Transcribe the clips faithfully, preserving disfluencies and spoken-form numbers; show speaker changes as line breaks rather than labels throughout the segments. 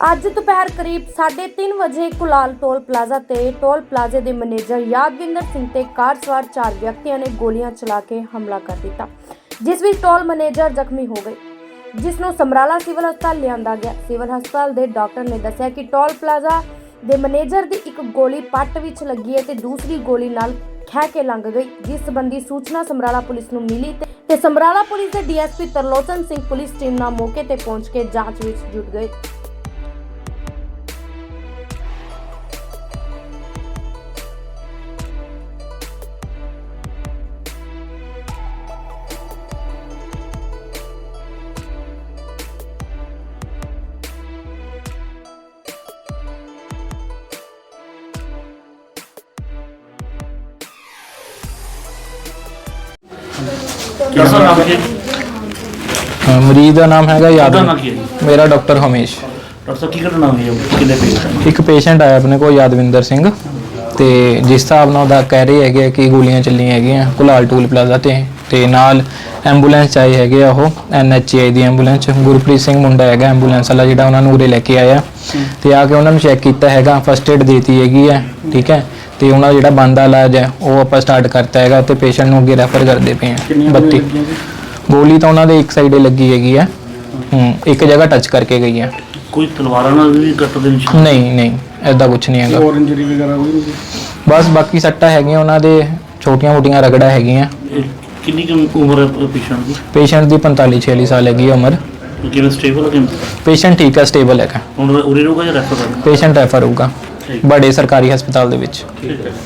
ਅੱਜ ਦੁਪਹਿਰ ਕਰੀਬ ਸਾਢੇ ਤਿੰਨ ਵਜੇ ਕੁਲਾਲ ਟੋਲ ਪਲਾਜ਼ਾ ਤੇ ਟੋਲ ਪਲਾਜ਼ੇ ਦੇ ਮੈਨੇਜਰ ਯਾਦਵਿੰਦਰ ਸਿੰਘ ਤੇ ਕਾਰ ਸਵਾਰ ਚਾਰ ਵਿਅਕਤੀਆਂ ਨੇ ਗੋਲੀਆਂ ਚਲਾ ਕੇ ਹਮਲਾ ਕਰ ਦਿੱਤਾ, ਜਿਸ ਵਿੱਚ ਟੋਲ ਮੈਨੇਜਰ ਜ਼ਖਮੀ ਹੋ ਗਏ, ਜਿਸ ਨੂੰ ਸਮਰਾਲਾ ਸਿਵਲ ਹਸਪਤਾਲ ਲਿਆਂਦਾ ਗਿਆ। ਸਿਵਲ ਹਸਪਤਾਲ ਦੇ ਡਾਕਟਰ ਨੇ ਦੱਸਿਆ ਕਿ ਟੋਲ ਪਲਾਜ਼ਾ ਦੇ ਮੈਨੇਜਰ ਦੀ ਇੱਕ ਗੋਲੀ ਪੱਟ ਵਿੱਚ ਲੱਗੀ ਹੈ ਤੇ ਦੂਸਰੀ ਗੋਲੀ ਨਾਲ ਖਹਿ ਕੇ ਲੰਘ ਗਈ। ਜਿਸ ਸੰਬੰਧੀ ਸੂਚਨਾ ਸਮਰਾਲਾ ਪੁਲਿਸ ਨੂੰ ਮਿਲੀ ਤੇ ਸਮਰਾਲਾ ਪੁਲਿਸ ਦੇ DSP Tarlochan Singh police team ਨਾਲ ਮੌਕੇ ਤੇ ਪਹੁੰਚ ਕੇ ਜਾਂਚ ਵਿੱਚ ਜੁਟ ਗਏ।
ਮਰੀਜ਼ ਦਾ ਨਾਮ ਹੈਗਾ
ਉਹਦਾ
ਯਾਦਵਿੰਦਰ।
ਨਾਮ ਕੀ ਹੈ ਜੀ?
ਮੇਰਾ ਡਾਕਟਰ ਹਮੇਸ਼।
ਡਾਕਟਰ ਸਾਹਿਬ ਕੀ ਘਟਨਾ ਹੋਈ ਹੈ? ਕਿੰਨੇ ਪੇਸ਼ੈਂਟ?
ਇੱਕ ਪੇਸ਼ੈਂਟ ਆਇਆ ਆਪਣੇ ਕੋਲ ਯਾਦਵਿੰਦਰ ਸਿੰਘ, ਤੇ ਜਿਸ ਹਿਸਾਬ ਨਾਲ ਉਹਦਾ ਕਹਿ ਰਹੇ ਹੈਗੇ ਕਿ ਗੋਲੀਆਂ ਚੱਲੀਆਂ ਹੈਗੀਆਂ ਕੁਲਾਲ ਟੋਲ ਪਲਾਜ਼ਾ ਤੇ ਤੇ ਨਾਲ ਐਂਬੂਲੈਂਸ ਆਈ ਹੈਗੇ ਆ, ਉਹ ਐਨ ਐਚ ਆਈ ਦੀ ਐਂਬੂਲੈਂਸ। ਗੁਰਪ੍ਰੀਤ ਸਿੰਘ ਮੁੰਡਾ ਹੈਗਾ ਐਂਬੂਲੈਂਸ ਵਾਲਾ, ਜਿਹੜਾ ਉਹਨਾਂ ਨੂੰ ਉਰੇ ਲੈ ਕੇ ਆਇਆ ਤੇ ਆ ਕੇ ਉਹਨਾਂ ਨੂੰ ਚੈੱਕ ਕੀਤਾ ਹੈਗਾ, ਫਸਟ ਏਡ ਦੇਤੀ ਹੈਗੀ ਹੈ, ਠੀਕ ਹੈ। ਤੇ ਉਹਨਾਂ ਦਾ ਜਿਹੜਾ ਬਣਦਾ ਇਲਾਜ ਹੈ ਉਹ ਆਪਾਂ ਸਟਾਰਟ ਕਰਤਾ ਹੈਗਾ ਤੇ ਪੇਸ਼ੈਂਟ ਨੂੰ ਅੱਗੇ ਰੈਫਰ ਕਰਦੇ ਪਏ ਹਾਂ। ਬੱਤੀ ਗੋਲੀ ਤਾਂ ਉਹਨਾਂ ਦੇ ਇੱਕ ਸਾਈਡੇ ਲੱਗੀ ਹੈਗੀ ਹੈ, ਹੂੰ ਇੱਕ ਜਗ੍ਹਾ ਟੱਚ ਕਰਕੇ ਗਈ ਹੈ।
ਕੋਈ ਤਲਵਾਰਾਂ ਨਾਲ ਵੀ ਕੱਟ ਦੇ ਨਿਸ਼ਾਨ?
ਨਹੀਂ ਨਹੀਂ ਐਦਾਂ ਕੁਝ ਨਹੀਂ ਹੈਗਾ।
ਹੋਰ ਇੰਜਰੀ ਵਗੈਰਾ ਕੋਈ ਨਹੀਂ?
ਬਸ ਬਾਕੀ ਸੱਟਾਂ ਹੈਗੀਆਂ ਉਹਨਾਂ ਦੇ, ਛੋਟੀਆਂ ਮੋਟੀਆਂ ਰਗੜਾ ਹੈਗੀਆਂ।
ਇਹ ਕਿੰਨੀ ਕੁ ਉਮਰ ਹੈ ਪੇਸ਼ੈਂਟ ਦੀ?
ਪੇਸ਼ੈਂਟ ਦੀ ਪੰਤਾਲੀ ਛਿਆਲੀ ਸਾਲ ਹੈਗੀ ਹੈ ਉਮਰ।
ਕਿਵੇਂ ਸਟੇਬਲ ਹੈ? ਕਿਵੇਂ
ਪੇਸ਼ੈਂਟ ਠੀਕ ਹੈ, ਸਟੇਬਲ ਹੈਗਾ।
ਹੁਣ ਉਰੇ ਰਹੂਗਾ ਜਾਂ ਰੈਫਰ ਕਰਨਾ?
ਪੇਸ਼ੈਂਟ ਰੈਫਰ ਹੋਊਗਾ ਬੜੇ ਸਰਕਾਰੀ ਹਸਪਤਾਲ ਦੇ ਵਿੱਚ।
ਠੀਕ ਹੈ।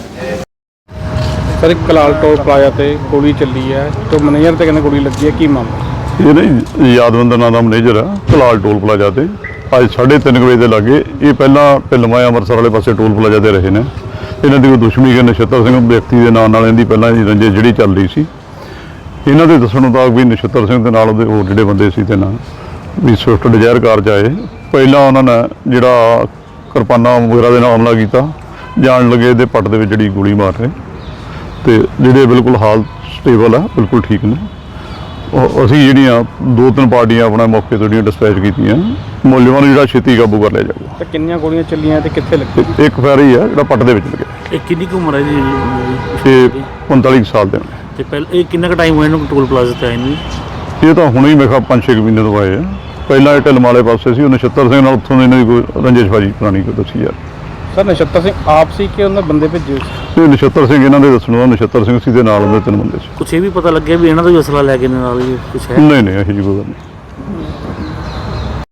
ਸਰ ਇੱਕ ਕਲਾਲ ਟੋਲ ਪਲਾਜ਼ਾ ਤੇ ਗੋਲੀ ਚੱਲੀ ਹੈ ਤੇ ਮੈਨੇਜਰ ਤੇ ਕਹਿੰਦੇ ਗੋਲੀ ਲੱਗੀ ਹੈ, ਕੀ ਮਾਮਲਾ?
ਇਹ ਨਹੀਂ ਯਾਦਵਿੰਦਰ ਨਾਂ ਦਾ ਮੈਨੇਜਰ ਆ ਕੁਲਾਲ ਟੋਲ ਪਲਾਜ਼ਾ ਤੇ ਅੱਜ ਸਾਢੇ ਤਿੰਨ ਵਜੇ ਦੇ ਲਾਗੇ। ਇਹ ਪਹਿਲਾਂ ਢਿਲਮਾ ਅੰਮ੍ਰਿਤਸਰ ਵਾਲੇ ਪਾਸੇ ਟੋਲ ਪਲਾਜ਼ਾ ਤੇ ਰਹੇ ਨੇ। ਇਹਨਾਂ ਦੀ ਕੋਈ ਦੁਸ਼ਮਣੀ ਕਿ ਨਛੱਤਰ ਸਿੰਘ ਵਿਅਕਤੀ ਦੇ ਨਾਂ ਨਾਲ ਇਹਦੀ ਪਹਿਲਾਂ ਦੀ ਰੰਜਿਸ਼ ਜਿਹੜੀ ਚੱਲ ਰਹੀ ਸੀ। ਇਹਨਾਂ ਦੇ ਦੱਸਣ ਮੁਤਾਬਕ ਵੀ ਨਛੱਤਰ ਸਿੰਘ ਦੇ ਨਾਲ ਉਹਦੇ ਹੋਰ ਜਿਹੜੇ ਬੰਦੇ ਸੀ ਤੇ ਨਾਲ ਵੀ ਸਵਿਫਟ ਡਿਜ਼ਾਇਰ ਕਾਰ 'ਚ ਆਏ। ਪਹਿਲਾਂ ਉਹਨਾਂ ਨੇ ਜਿਹੜਾ ਕਿਰਪਾਨਾਂ ਵਗੈਰਾ ਦੇ ਨਾਲ ਹਮਲਾ ਕੀਤਾ, ਜਾਣ ਲੱਗੇ ਇਹਦੇ ਪੱਟ ਦੇ ਵਿੱਚ ਜਿਹੜੀ ਗੋਲੀ ਮਾਰ ਰਹੇ ਤੇ ਜਿਹੜੇ ਬਿਲਕੁਲ ਹਾਲਤ ਸਟੇਬਲ ਆ, ਬਿਲਕੁਲ ਠੀਕ ਨੇ। ਉਹ ਅਸੀਂ ਜਿਹੜੀਆਂ ਦੋ ਤਿੰਨ ਪਾਰਟੀਆਂ ਆਪਣਾ ਮੌਕੇ ਤੋਂ ਜਿਹੜੀਆਂ ਡਿਸਪੈਚ ਕੀਤੀਆਂ, ਮੁਲਜ਼ਮਾਂ ਨੂੰ ਜਿਹੜਾ ਛੇਤੀ ਕਾਬੂ ਕਰ ਲਿਆ ਜਾਊਗਾ।
ਤੇ ਕਿੰਨੀਆਂ ਗੋਲੀਆਂ ਚੱਲੀਆਂ ਤੇ ਕਿੱਥੇ ਲੱਗੀ?
ਇੱਕ ਫੈਰ ਹੀ ਆ ਜਿਹੜਾ ਪੱਟ ਦੇ ਵਿੱਚ ਲੱਗਿਆ।
ਇਹ ਕਿੰਨੀ ਕੁ ਉਮਰ ਹੈ ਜੀ?
ਇਹ ਪੰਤਾਲੀ ਕੁ ਸਾਲ ਦੇ ਨੇ।
ਤੇ ਪਹਿਲਾਂ ਇਹ ਕਿੰਨਾ ਕੁ ਟਾਈਮ ਹੋਇਆ ਇਹਨੂੰ ਟੋਲ ਪਲਾਜ਼ਾ ਤੇ ਆਏ ਨੂੰ?
ਇਹ ਤਾਂ ਹੁਣੇ ਹੀ ਮੇਰੇ ਖਿਆਲ ਪੰਜ ਛੇ ਮਹੀਨੇ ਤੋਂ ਆਏ ਆ। ਪਹਿਲਾਂ ਇਹ ਢਿਲਮ ਵਾਲੇ ਪਾਸੇ ਸੀ, ਉਹ ਨਛੱਤਰ ਸਿੰਘ ਨਾਲ ਉੱਥੋਂ ਇਹਨਾਂ ਦੀ ਕੋਈ ਰੰਜਿਸ਼ਬਾਜੀ ਪੁਰਾਣੀ ਕੋਈ ਦੱਸੀ ਯਾਰ।
ਸਰ ਨਛੱਤਰ ਸਿੰਘ ਆਪ ਸੀ ਕਿ ਉਹਨਾਂ ਬੰਦੇ ਭੇਜੇ ਸੀ?
ਇਹ ਨਛੱਤਰ ਸਿੰਘ ਇਹਨਾਂ ਦੇ ਦੱਸਣ ਦਾ ਨਛੱਤਰ ਸਿੰਘ ਸੀ ਦੇ ਨਾਲ ਉਹਦੇ ਤਿੰਨ ਬੰਦੇ ਸੀ।
ਕੁਛ ਇਹ ਵੀ ਪਤਾ ਲੱਗਿਆ ਵੀ ਇਹਨਾਂ ਦਾ ਵੀ ਅਸਲਾ ਲੈ ਕੇ ਨਾਲ ਹੀ ਕੁਛ ਹੈ?
ਨਹੀਂ ਨਹੀਂ ਇਹੋ ਜਿਹੀ ਕੋਈ ਗੱਲ ਨਹੀਂ।